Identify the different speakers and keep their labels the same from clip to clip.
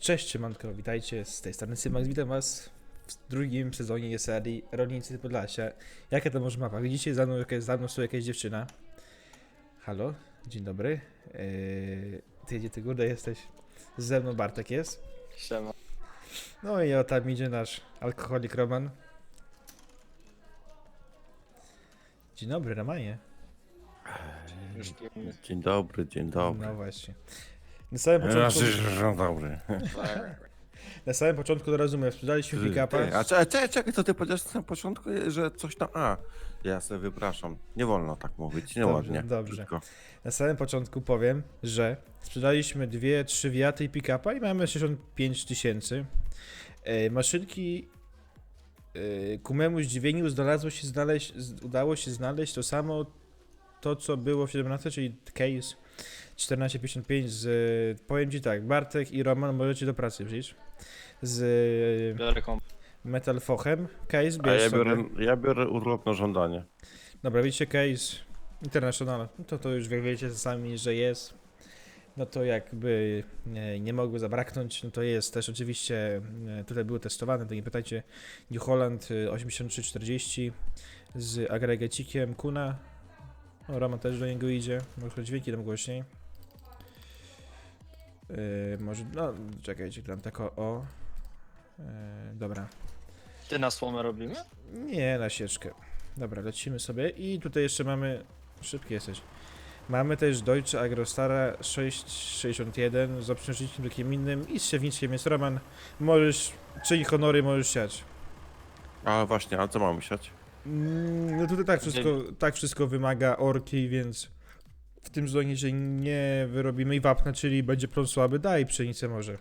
Speaker 1: Cześć, siemanko, witajcie, z tej strony Symax, witam was w drugim sezonie serii Rolnicy Podlasia. Jaka to może mapa? Widzicie, za mną są jakaś dziewczyna. Halo, dzień dobry. Ty gdzie ty górę jesteś? Ze mną Bartek jest.
Speaker 2: Siema.
Speaker 1: No i o, tam idzie nasz alkoholik Roman. Dzień dobry, Romanie.
Speaker 2: Już pijemy.
Speaker 3: Dzień dobry, dzień dobry.
Speaker 1: No właśnie. Na samym początku,
Speaker 3: Dzień dobry.
Speaker 1: na samym początku od razu my sprzedaliśmy pick-upa.
Speaker 3: Czekaj, co ty powiedziałeś na początku, że coś tam... Jasne, wypraszam. Nie wolno tak mówić, nieładnie.
Speaker 1: Dobrze.
Speaker 3: Brzydko.
Speaker 1: Na samym początku powiem, że sprzedaliśmy 2-3 wiaty i pick-upa i mamy 65 tysięcy. Maszynki ku memu zdziwieniu udało się znaleźć to samo, to co było w 17, czyli case 1455 z... Powiem ci tak, Bartek i Roman możecie do pracy przyjść. Z
Speaker 2: Biorę komp.
Speaker 1: Metal Fochem. Case
Speaker 3: A
Speaker 1: bierz
Speaker 3: ja
Speaker 1: sobie.
Speaker 3: ja biorę urlop na żądanie.
Speaker 1: Dobra, widzicie case International, no to już wiecie sami, że jest. No to jakby nie mogło zabraknąć, no to jest też oczywiście, tutaj było testowane, to nie pytajcie, New Holland 8340 z agregacikiem Kuna. O, Roman też do niego idzie, może dźwięki tam głośniej. Może, no czekajcie, tam tak o. Dobra.
Speaker 2: Ty na słomę robimy?
Speaker 1: Nie, na sieczkę. Dobra, lecimy sobie i tutaj jeszcze mamy... Szybki jesteś. Mamy też Deutsche Agrostara 661 z obciążnikiem takim innym i z siewniczkiem jest Roman. Możesz, czyń honory, możesz siać.
Speaker 3: A właśnie, a co mamy siać?
Speaker 1: No tutaj tak wszystko wymaga orki, więc w tym zonie, że nie wyrobimy i wapna, czyli będzie plon słaby, daj pszenicę może.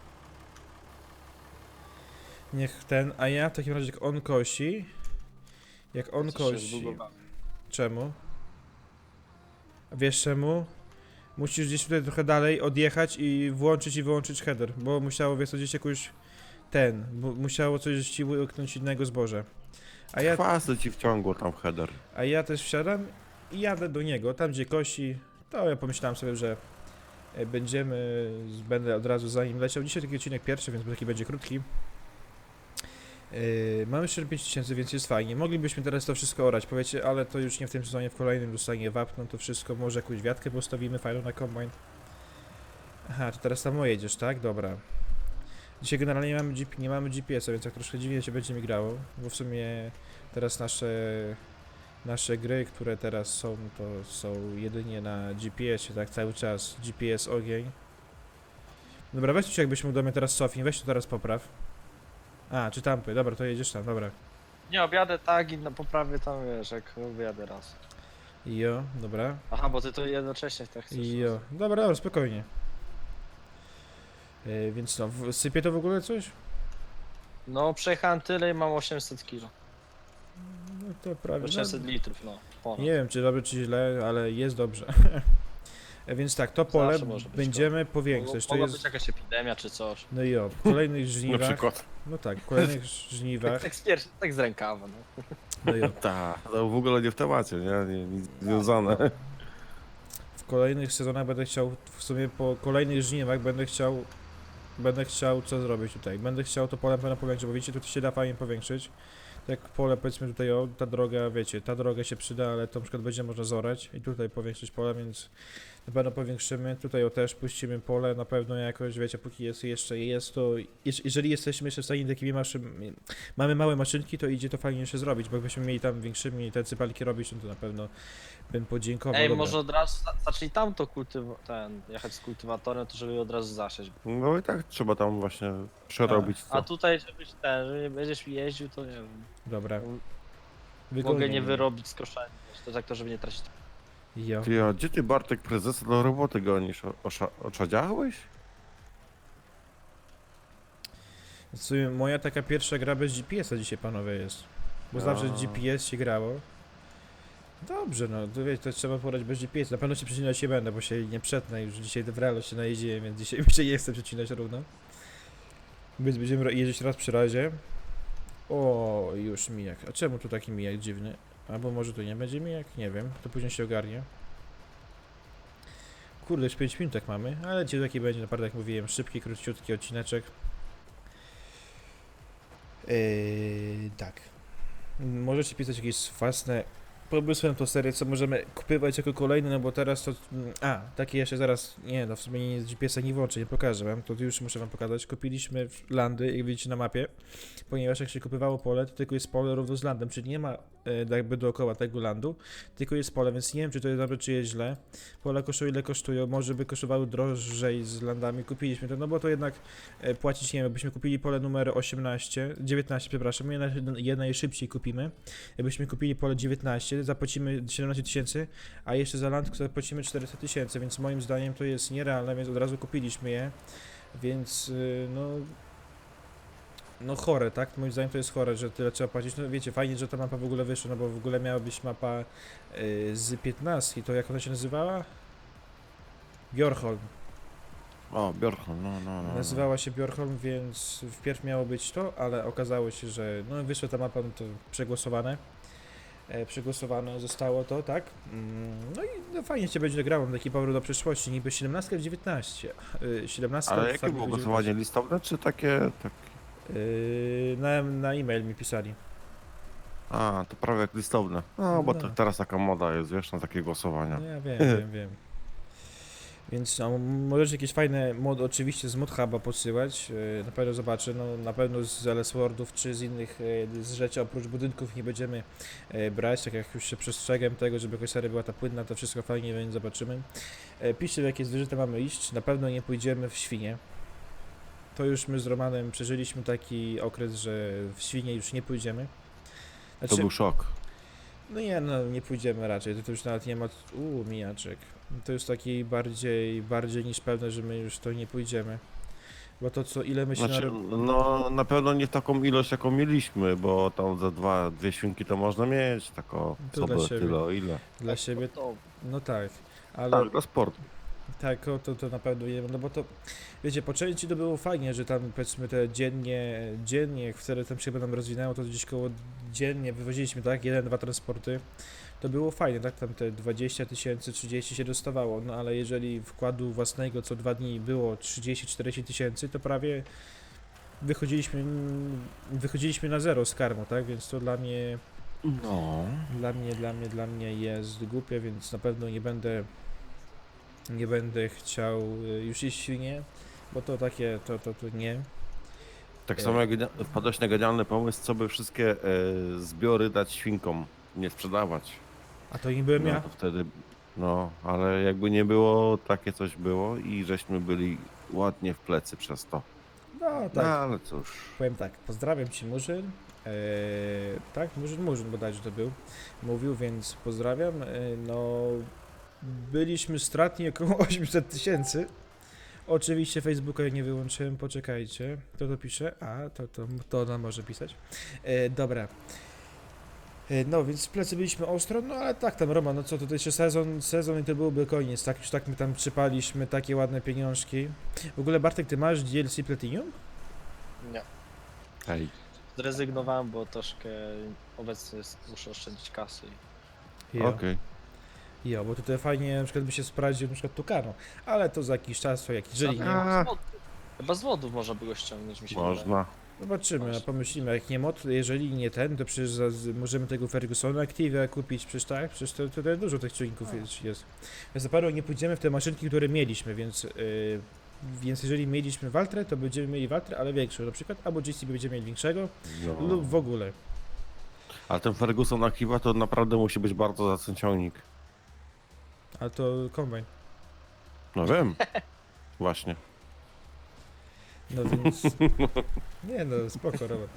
Speaker 1: Niech ten, a ja w takim razie jak on kosi, czemu? Wiesz czemu? Musisz gdzieś tutaj trochę dalej odjechać i włączyć i wyłączyć header, bo musiało gdzieś jakoś bo musiało coś ci łyknąć innego zboża.
Speaker 3: Chwasty ci wciągło tam w header.
Speaker 1: A ja też wsiadam i jadę do niego, tam gdzie kosi, to ja pomyślałem sobie, że będę od razu za nim leciał. Dzisiaj taki odcinek pierwszy, więc taki będzie krótki. Mamy 45 tysięcy, więc jest fajnie. Moglibyśmy teraz to wszystko orać, powiecie, ale to już nie w tym sezonie, w kolejnym dostanie wapno, to wszystko, może jakąś wiatkę postawimy fajną na kombine. Aha, to teraz tam jedziesz, tak? Dobra. Dzisiaj generalnie nie mamy GPS-a, więc tak troszkę dziwnie się będzie mi grało, bo w sumie teraz nasze gry, które teraz są, to są jedynie na GPS-ie, tak? Cały czas GPS ogień. Dobra, weź tu jakbyśmy do mnie teraz cofnij, weź to teraz popraw. A, czy tampy, dobra, to jedziesz tam, dobra.
Speaker 2: Nie, objadę tak i na poprawie tam, wiesz, jak wyjadę raz.
Speaker 1: Jo, dobra.
Speaker 2: Aha, bo ty to jednocześnie tak chcesz.
Speaker 1: Jo, dobra, spokojnie. Więc no, sypie to w ogóle coś?
Speaker 2: No, przejechałem tyle i mam 800 kg.
Speaker 1: No to prawie.
Speaker 2: 800 litrów, no. Ponad.
Speaker 1: Nie wiem, czy dobrze, czy źle, ale jest dobrze. Więc tak, to pole
Speaker 2: Zawsze może być
Speaker 1: będziemy powiększać. To
Speaker 2: Mogła
Speaker 1: jest...
Speaker 2: być jakaś epidemia czy coś.
Speaker 1: No i o, w kolejnych
Speaker 3: Na
Speaker 1: żniwach.
Speaker 3: przykład.
Speaker 1: No tak, w kolejnych żniwach.
Speaker 2: Tak z rękawa, no.
Speaker 1: No i o,
Speaker 3: To w ogóle nie w temacie, nie? Nic związane.
Speaker 1: w kolejnych sezonach będę chciał, w sumie po kolejnych żniwach będę chciał co zrobić tutaj. Będę chciał to pole na pewno powiększyć, bo widzicie, tu się da fajnie powiększyć. Tak pole, powiedzmy tutaj, o, ta droga, wiecie, ta droga się przyda, ale to na przykład będzie można zorać i tutaj powiększyć pole, więc na pewno powiększymy. Tutaj o też puścimy pole, na pewno jakoś, wiecie, póki jest to, jeżeli jesteśmy jeszcze w stanie takimi mamy małe maszynki, to idzie to fajnie jeszcze zrobić, bo jakbyśmy mieli tam większymi te cypalki robić, no to na pewno bym podziękował.
Speaker 2: Ej,
Speaker 1: Dobra.
Speaker 2: może od razu zacznij tamto jechać z kultywatorem, to żeby od razu zasiać.
Speaker 3: No i tak trzeba tam właśnie przerobić
Speaker 2: A
Speaker 3: co.
Speaker 2: tutaj, że nie będziesz jeździł, to nie wiem.
Speaker 1: Dobra.
Speaker 2: Mogę nie wyrobić skoszenia, to tak to, żeby nie tracić.
Speaker 1: Jo.
Speaker 3: Ty, a gdzie ty, Bartek, prezesa do roboty gonisz? Oczadziałeś?
Speaker 1: W sumie moja taka pierwsza gra bez GPS-a dzisiaj, panowie, jest. Bo zawsze
Speaker 3: A.
Speaker 1: GPS się grało. Dobrze, no, to wiecie, to trzeba porać bez GPS. Na pewno się przecinać nie będę, bo się nie przetnę. Już dzisiaj w realu się najeździłem, więc dzisiaj mi się nie chcę przecinać równo. Więc będziemy jeździć raz przy razie. O, już mijak. A czemu tu taki mijak dziwny? Albo może tu nie będzie mijak? Nie wiem, to później się ogarnie. Kurde, już 5 minut tak mamy, ale dzisiaj taki będzie naprawdę, jak mówiłem, szybki, króciutki odcineczek. Tak. Możecie pisać jakieś własne pomysły na tą serię, co możemy kupywać jako kolejne, no bo teraz to... takie jeszcze zaraz... Nie, no w sumie nie GPS-a nie włączę, nie pokażę wam, to już muszę wam pokazać. Kupiliśmy landy, jak widzicie na mapie, ponieważ jak się kupywało pole, to tylko jest pole równo z landem, czyli nie ma jakby dookoła tego landu, tylko jest pole, więc nie wiem, czy to jest dobre, czy jest źle. Pola kosztują ile kosztują, może by kosztowały drożej z landami, kupiliśmy to, no bo to jednak płacić, nie wiem, jakbyśmy kupili pole numer 19, przepraszam, je najszybciej kupimy. Jakbyśmy kupili pole 19, zapłacimy 17 tysięcy, a jeszcze za land zapłacimy 400 tysięcy, więc moim zdaniem to jest nierealne, więc od razu kupiliśmy je, więc no chore, tak? Moim zdaniem to jest chore, że tyle trzeba płacić. No wiecie, fajnie, że ta mapa w ogóle wyszła, no bo w ogóle miała być mapa z 15, to jak ona się nazywała? Bjorholm.
Speaker 3: O, Bjorkholm, no.
Speaker 1: Nazywała się Bjorholm, więc wpierw miało być to, ale okazało się, że no wyszła ta mapa, no to przegłosowane. Przegłosowane zostało to, tak? No i no, fajnie się będzie grało, taki powrót do przyszłości, niby 17 w 19. 17
Speaker 3: Ale
Speaker 1: w
Speaker 3: jakie
Speaker 1: Farming
Speaker 3: było
Speaker 1: w
Speaker 3: głosowanie listowne, czy takie... Tak...
Speaker 1: 19. Na e-mail mi pisali.
Speaker 3: A, to prawie jak listowne. No, bo
Speaker 1: No.
Speaker 3: teraz taka moda jest, wiesz, na takie głosowania.
Speaker 1: No ja wiem. Więc no, możecie jakieś fajne mody oczywiście z ModHuba podsyłać, na pewno zobaczę, no na pewno z LS-Wordów czy z innych z rzeczy oprócz budynków nie będziemy brać, tak jak już się przestrzegam tego, żeby jakaś seria była ta płynna, to wszystko fajnie, więc zobaczymy. Piszcie, w jakie zwierzęta mamy iść, na pewno nie pójdziemy w świnie. To już my z Romanem przeżyliśmy taki okres, że w świnie już nie pójdziemy.
Speaker 3: To był szok.
Speaker 1: No nie, no nie pójdziemy raczej, to już nawet nie ma... mijaczek. To jest taki bardziej niż pewne, że my już to nie pójdziemy. Bo to co, ile my się
Speaker 3: Znaczy, no na pewno nie w taką ilość, jaką mieliśmy, bo tam za dwie świnki to można mieć, tak o
Speaker 1: To dla
Speaker 3: sobie
Speaker 1: siebie.
Speaker 3: tyle o ile.
Speaker 1: dla siebie,
Speaker 2: To,
Speaker 1: no tak, ale
Speaker 3: Tak, dla sportu.
Speaker 1: tak, to na pewno nie, no bo to, wiecie, po części to było fajnie, że tam powiedzmy te dziennie, wtedy tam się nam rozwinęło, to gdzieś koło dziennie wywoziliśmy, tak, 1-2 transporty, to było fajnie, tak, tam te 20 tysięcy, 30 się dostawało, no ale jeżeli wkładu własnego co 2 dni było 30-40 tysięcy, to prawie wychodziliśmy na zero z karmą, tak, więc to dla mnie
Speaker 3: No.
Speaker 1: Dla mnie jest głupie, więc na pewno nie będę chciał już iść świnie, bo to takie, to nie.
Speaker 3: Tak samo jak wpadłeś na genialny pomysł, co by wszystkie zbiory dać świnkom, nie sprzedawać.
Speaker 1: A to nie byłem
Speaker 3: No
Speaker 1: ja?
Speaker 3: to wtedy, no, ale jakby nie było, takie coś było i żeśmy byli ładnie w plecy przez to.
Speaker 1: No
Speaker 3: No
Speaker 1: tak,
Speaker 3: ale cóż.
Speaker 1: powiem tak, pozdrawiam Ci Murzyn, tak, Murzyn bodajże to był, mówił, więc pozdrawiam, no, byliśmy stratni około 800 tysięcy. Oczywiście Facebooka nie wyłączyłem, poczekajcie. Kto to pisze? To ona może pisać. Dobra. No, więc w plecy byliśmy ostro, no ale tak tam Roman, no co, to jeszcze sezon i to byłby koniec, tak już tak my tam przypaliśmy takie ładne pieniążki. W ogóle Bartek, ty masz DLC Platinum?
Speaker 2: nie.
Speaker 3: Hej.
Speaker 2: Zrezygnowałem, bo troszkę obecnie muszę oszczędzić kasy.
Speaker 3: Okej.
Speaker 1: Jo, bo tutaj fajnie na przykład by się sprawdził na przykład Tucano, ale to za jakiś czas, to jak jeżeli nie,
Speaker 2: Chyba z wodów można było ściągnąć, mi się wydaje.
Speaker 3: Można.
Speaker 1: zobaczymy, a
Speaker 2: Właśnie.
Speaker 1: pomyślimy, jak nie mod, jeżeli nie ten, to przecież możemy tego Fergusona Active kupić, przecież tak, przecież to tutaj dużo tych czujników jest. Więc na pewno nie pójdziemy w te maszynki, które mieliśmy, więc jeżeli mieliśmy Valtrę, to będziemy mieli Valtrę, ale większą na przykład, albo GCB będziemy mieli większego,
Speaker 3: No.
Speaker 1: lub w ogóle.
Speaker 3: Ale ten Ferguson Akiva to naprawdę musi być bardzo zacny ciągnik.
Speaker 1: Ale to kombajn.
Speaker 3: No wiem. Właśnie.
Speaker 1: No więc... Nie no, spoko, Robert.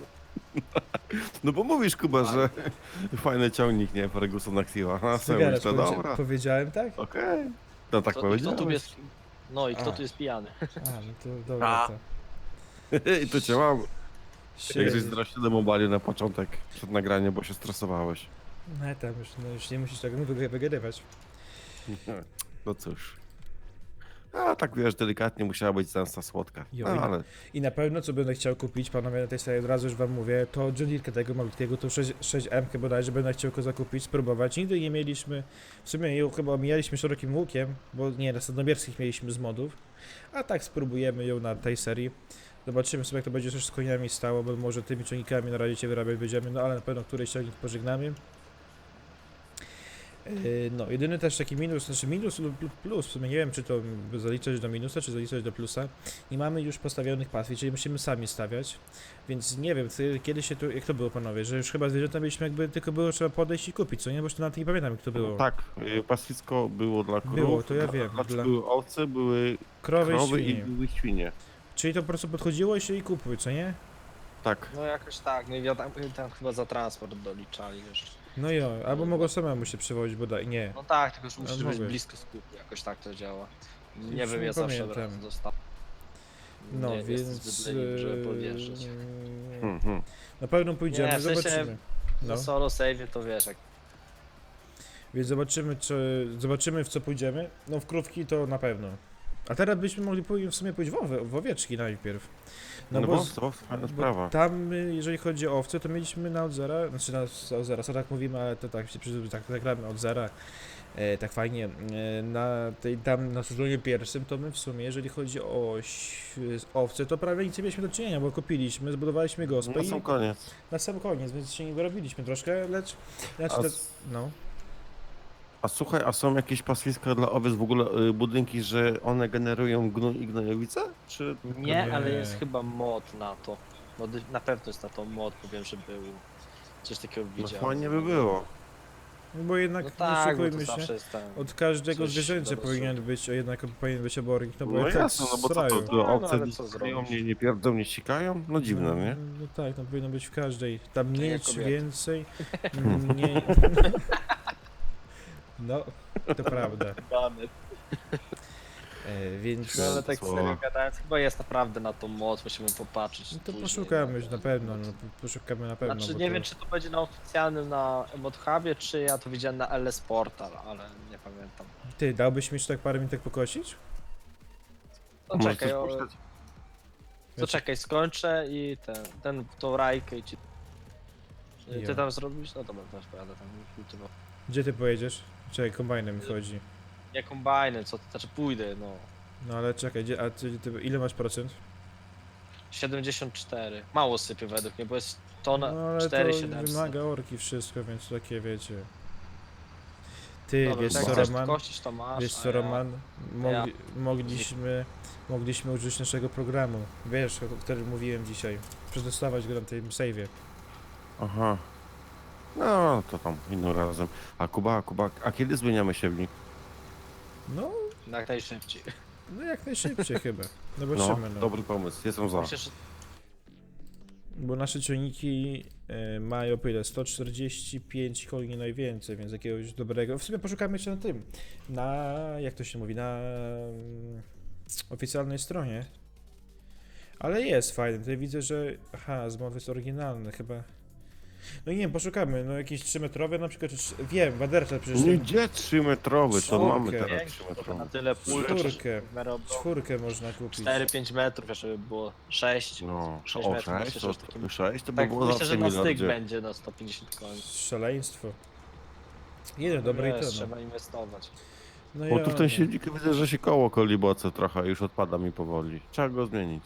Speaker 3: No bo mówisz, Kuba, że fajny ciągnik, nie? Ferguson Akiva. A sobie
Speaker 1: Zagadasz,
Speaker 3: myślę, dobra.
Speaker 1: powiedziałem tak?
Speaker 3: Okej. No tak
Speaker 2: Kto tu
Speaker 3: powiedziałeś.
Speaker 2: jest? No i kto
Speaker 1: A.
Speaker 2: tu jest pijany?
Speaker 1: A, no to dobra,
Speaker 3: A.
Speaker 1: to...
Speaker 3: I to cię mam. Jak żeś
Speaker 1: Sie-
Speaker 3: zdraścił mobile na początek, przed nagraniem, bo się stresowałeś.
Speaker 1: No tam już nie musisz tego wygrywać.
Speaker 3: No cóż. A tak wiesz, delikatnie musiała być zemsta słodka.
Speaker 1: Jo,
Speaker 3: No,
Speaker 1: i-
Speaker 3: ale
Speaker 1: I na pewno, co będę chciał kupić, panowie, na tej serii, od razu już wam mówię, to John Deere tego malutkiego, to 6M bodajże będę chciał go zakupić, spróbować. Nigdy nie mieliśmy, w sumie ją chyba omijaliśmy szerokim łukiem, bo nie, na Sandomierskich mieliśmy z modów, a tak spróbujemy ją na tej serii. Zobaczymy sobie, jak to będzie też z koniami stało, bo może tymi ciągnikami na razie się wyrabiać będziemy, no ale na pewno któryś ciągnik pożegnamy. No, jedyny też taki minus, znaczy minus lub plus, w sumie nie wiem, czy to zaliczać do minusa, czy zaliczać do plusa. Nie mamy już postawionych pastwi, czyli musimy sami stawiać, więc nie wiem, kiedy się tu, jak to było, panowie, że już chyba zwierzęta mieliśmy jakby, tylko było trzeba podejść i kupić, co nie? Bo już to nawet nie pamiętam, jak to było.
Speaker 3: tak, pastwisko było dla krów,
Speaker 1: Było, to ja wiem,
Speaker 3: znaczy
Speaker 1: dla-
Speaker 3: były owce, były
Speaker 1: Krowy,
Speaker 3: krowy
Speaker 1: i
Speaker 3: i
Speaker 1: świnie.
Speaker 3: były świnie.
Speaker 1: Czyli to po prostu podchodziło i się i kupuj, co nie?
Speaker 3: Tak.
Speaker 2: No jakoś tak, no i tam chyba za transport doliczali jeszcze.
Speaker 1: No jo, albo mogło samemu się przewozić, bodaj, nie.
Speaker 2: No tak, tylko że
Speaker 1: A
Speaker 2: musisz być
Speaker 1: mogłeś.
Speaker 2: blisko skupu, jakoś tak to działa.
Speaker 1: Już
Speaker 2: Nie wiem,
Speaker 1: nie
Speaker 2: ja zawsze
Speaker 1: pamiętam.
Speaker 2: raz zostałem.
Speaker 1: No,
Speaker 2: Nie
Speaker 1: więc...
Speaker 2: jestem zbyt leniwy, żeby podjeżdżać.
Speaker 3: Mhm.
Speaker 1: Na pewno pójdziemy,
Speaker 2: Nie, w sensie-
Speaker 1: zobaczymy.
Speaker 2: No
Speaker 1: No.
Speaker 2: solo save to wiesz, jak
Speaker 1: Więc zobaczymy w co pójdziemy. No w krówki to na pewno. A teraz byśmy mogli w sumie pójść w owieczki najpierw.
Speaker 3: No,
Speaker 1: bo
Speaker 3: bo
Speaker 1: z-
Speaker 3: to fajna
Speaker 1: Bo
Speaker 3: sprawa.
Speaker 1: tam, jeżeli chodzi o owce, to mieliśmy na od zera, znaczy od zera, co tak mówimy, ale to tak się tak gramy od zera, tak fajnie, tam na sezonie pierwszym, to my w sumie, jeżeli chodzi o owce, to prawie nic nie mieliśmy do czynienia, bo kupiliśmy, zbudowaliśmy gospę
Speaker 3: Na
Speaker 1: i
Speaker 3: sam koniec.
Speaker 1: na sam koniec, więc się nie wyrobiliśmy troszkę, lecz, znaczy,
Speaker 3: A,
Speaker 1: no.
Speaker 3: a słuchaj, a są jakieś pastwiska dla owiec, w ogóle budynki, że one generują gnój i gnojowice? Czy...
Speaker 2: Nie, ale
Speaker 1: Nie.
Speaker 2: jest chyba mod na to. Na pewno jest na to mod, bo wiem, że był. Coś takiego
Speaker 3: No
Speaker 2: widziałem.
Speaker 3: fajnie by było.
Speaker 1: Bo jednak,
Speaker 2: No
Speaker 1: nie
Speaker 2: tak, bo to
Speaker 1: oszukujmy się,
Speaker 2: zawsze jest ten.
Speaker 1: od każdego
Speaker 2: coś
Speaker 1: zwierzęcia
Speaker 2: do
Speaker 1: powinien być, obornik, no bo
Speaker 3: No
Speaker 1: jak
Speaker 3: jasne, no bo co to,
Speaker 1: srają.
Speaker 3: to
Speaker 2: No,
Speaker 3: owce
Speaker 2: ale
Speaker 3: nie
Speaker 2: co
Speaker 3: sikają,
Speaker 2: zrobisz?
Speaker 3: nie pierdzą, nie sikają? No dziwne, nie?
Speaker 1: No tak, no powinno być w każdej. Tam
Speaker 2: To
Speaker 1: mniej
Speaker 2: jak
Speaker 1: czy
Speaker 2: kobiety.
Speaker 1: więcej. Mniej. No, to prawda. Więc.
Speaker 2: No ale tak
Speaker 3: Słowa.
Speaker 2: serio gadając, chyba jest naprawdę na to mod, musimy popatrzeć.
Speaker 1: No to
Speaker 2: później,
Speaker 1: poszukamy
Speaker 2: no,
Speaker 1: na pewno, no, poszukamy na pewno.
Speaker 2: Znaczy
Speaker 1: bo
Speaker 2: nie
Speaker 1: to...
Speaker 2: wiem, czy to będzie na oficjalnym na ModHubie, czy ja to widziałem na LS Portal, ale nie pamiętam.
Speaker 1: Ty, dałbyś mi jeszcze tak parę minut pokościć?
Speaker 2: To
Speaker 3: Może
Speaker 2: czekaj,
Speaker 3: coś puszczać?
Speaker 2: to czekaj, skończę i tą rajkę i ci...
Speaker 1: Jo.
Speaker 2: Ty tam zrobisz? No dobra, też pojadę tam kultywować.
Speaker 1: Gdzie ty pojedziesz? Czekaj, kombajnem mi chodzi.
Speaker 2: Nie kombajnem, co to znaczy pójdę, no.
Speaker 1: No ale czekaj, a ile masz procent?
Speaker 2: 74. Mało sypie według mnie, bo jest
Speaker 1: No
Speaker 2: tona
Speaker 1: ale to
Speaker 2: 4700.
Speaker 1: wymaga orki wszystko, więc takie wiecie. Ty,
Speaker 2: Dobra,
Speaker 1: wiesz
Speaker 2: jak
Speaker 1: co
Speaker 2: chcesz
Speaker 1: Roman?
Speaker 2: kościć, to masz,
Speaker 1: Wiesz
Speaker 2: a
Speaker 1: co
Speaker 2: ja-
Speaker 1: Roman?
Speaker 2: ja-
Speaker 1: Mogliśmy użyć naszego programu. Wiesz, o którym mówiłem dzisiaj. Przetestować go na tym save'ie.
Speaker 3: Aha. No, to tam innym razem. A Kuba, a kiedy zmieniamy siewnik?
Speaker 1: No,
Speaker 2: Jak najszybciej.
Speaker 1: no jak najszybciej chyba.
Speaker 3: No,
Speaker 1: Zobaczymy, no.
Speaker 3: dobry pomysł, jestem za.
Speaker 2: Myślę, że
Speaker 1: Bo nasze ciągniki mają po ile? 145 koni najwięcej, więc jakiegoś dobrego. W sumie poszukamy jeszcze na tym. Na, jak to się mówi, na oficjalnej stronie. Ale jest fajny. Tutaj widzę, że. Aha, zmowy jest oryginalny chyba. No nie wiem, poszukamy. No jakieś 3-metrowe na przykład. Wiem, Waderta przecież.
Speaker 3: Nie,
Speaker 1: Ten,
Speaker 3: gdzie 3-metrowy? To
Speaker 1: Czwórkę.
Speaker 3: mamy teraz
Speaker 2: większy, to
Speaker 3: 3-metrowy.
Speaker 2: na tyle pól,
Speaker 1: Czwórkę.
Speaker 2: w miarę obrotów.
Speaker 1: 4 można kupić.
Speaker 2: 4-5 metrów, jeszcze by było 6.
Speaker 3: No,
Speaker 2: 6
Speaker 3: o
Speaker 2: metrów,
Speaker 3: 6,
Speaker 2: myślę, że takim...
Speaker 3: 6 to by
Speaker 2: Tak,
Speaker 3: było
Speaker 2: myślę,
Speaker 3: zawsze
Speaker 2: że na
Speaker 3: miliard
Speaker 2: styk
Speaker 3: gdzie.
Speaker 2: będzie na 150 koni.
Speaker 1: Szaleństwo. Jeden dobry i
Speaker 2: Wiesz,
Speaker 1: to. No.
Speaker 2: trzeba inwestować.
Speaker 1: No
Speaker 3: Bo
Speaker 1: ja,
Speaker 3: tu w ten
Speaker 1: no.
Speaker 3: silnik widzę, że się koło koliboce trochę już odpada mi powoli. Trzeba go zmienić.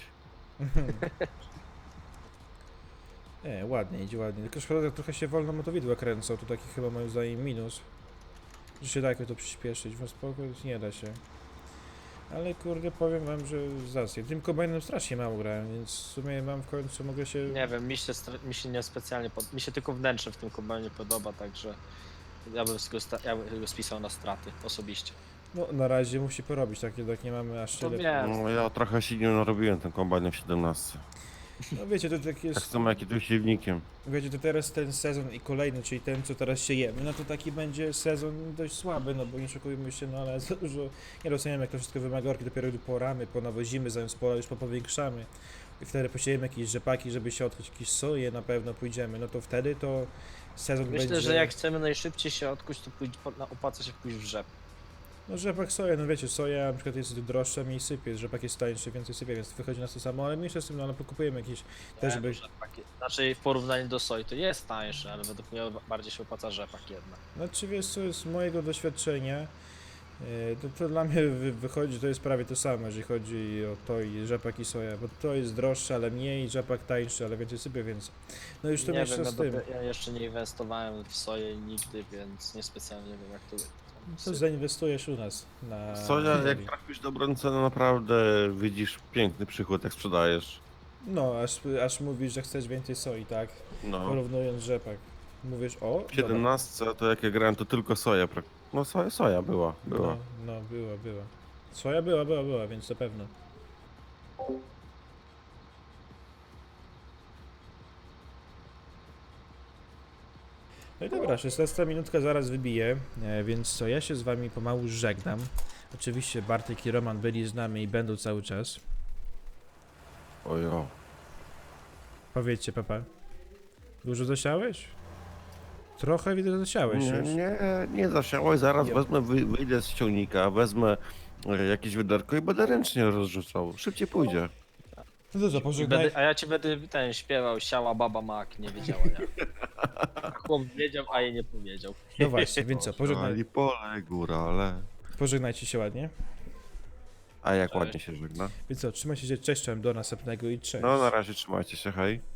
Speaker 1: Nie, ładnie, idzie ładnie. Tylko szkoda, że trochę się wolno motowidła kręcą, to taki chyba moim zdaniem minus. Że się da jakoś to przyspieszyć, bo spoko, nie da się. Ale kurde, powiem wam, że zacnie. Tym kombajnem strasznie mało grałem, więc w sumie mam w końcu, mogę się...
Speaker 2: Nie wiem, mi się nie specjalnie mi się tylko wnętrze w tym kombajnie podoba, także ja bym go spisał na straty osobiście.
Speaker 1: No, na razie musi porobić, tak jednak nie mamy aż
Speaker 2: To
Speaker 1: tyle.
Speaker 2: wiem.
Speaker 3: No, ja trochę się nie narobiłem tym kombajnem w 17.
Speaker 1: No wiecie, to tak
Speaker 3: Tak
Speaker 1: jest...
Speaker 3: samo jak i tym silnikiem.
Speaker 1: Wiecie, to teraz ten sezon i kolejny, czyli ten, co teraz siejemy, no to taki będzie sezon dość słaby, no bo nie szokujmy się, no ale za dużo, nie rozumiem, jak to wszystko wymaga orki, dopiero poramy, ponawozimy, zamiast pola już popowiększamy i wtedy posiejemy jakieś rzepaki, żeby się odchodzić, jakieś soje na pewno pójdziemy, no to wtedy to sezon
Speaker 2: Myślę,
Speaker 1: będzie...
Speaker 2: że jak chcemy najszybciej się odkuć, to opłaca się pójść w rzep.
Speaker 1: No rzepak soja, no wiecie, soja na przykład jest droższa, mniej sypie, rzepak jest tańszy, więcej sypie, więc wychodzi nas to samo, ale mniejsza z tym, no ale pokupujemy jakieś też, żeby...
Speaker 2: Znaczy w porównaniu do soi to jest tańsze, ale według mnie bardziej się opłaca rzepak jednak.
Speaker 1: Znaczy wiesz co, z mojego doświadczenia, to dla mnie wychodzi, to jest prawie to samo, jeżeli chodzi o to i rzepak i soja, bo to jest droższe, ale mniej, rzepak tańszy, ale więcej sypie, więc... No już to
Speaker 2: Nie
Speaker 1: mieszczę
Speaker 2: wiem,
Speaker 1: z tym.
Speaker 2: ja jeszcze nie inwestowałem w soję nigdy, więc niespecjalnie wiem jak to
Speaker 1: Co zainwestujesz u nas na...
Speaker 3: Soja, jak
Speaker 1: ziemi?
Speaker 3: trafisz dobrą cenę, naprawdę widzisz piękny przychód, jak sprzedajesz.
Speaker 1: No, aż mówisz, że chcesz więcej soi, tak?
Speaker 3: No.
Speaker 1: Porównując rzepak. Mówisz, o,
Speaker 3: W 17 to jak ja grałem, to tylko soja. No soja była.
Speaker 1: No, była. Soja była, więc to pewno. No i dobra, 16 minutka zaraz wybije, więc co, ja się z wami pomału żegnam. Oczywiście Bartek i Roman byli z nami i będą cały czas.
Speaker 3: Ojo.
Speaker 1: Powiedzcie, papa. Dużo zasiałeś? Trochę widzę, że zasiałeś już.
Speaker 3: Nie zasiałeś, zaraz
Speaker 1: Jo.
Speaker 3: wezmę, wyjdę z ciągnika, wezmę jakieś wydarko i będę ręcznie rozrzucał. Szybciej pójdzie.
Speaker 1: No to co, pożegnaj.
Speaker 2: A ja ci będę śpiewał, siała baba mak, nie wiedziała jak. Chłop wiedział, a jej nie powiedział.
Speaker 1: No właśnie, więc co,
Speaker 3: Ali pole, górale.
Speaker 1: pożegnajcie się ładnie.
Speaker 3: A jak
Speaker 2: Cześć.
Speaker 3: ładnie się żegna.
Speaker 1: Więc co, trzymajcie się, cześć, czołem, do następnego i cześć.
Speaker 3: No na razie trzymajcie się, hej.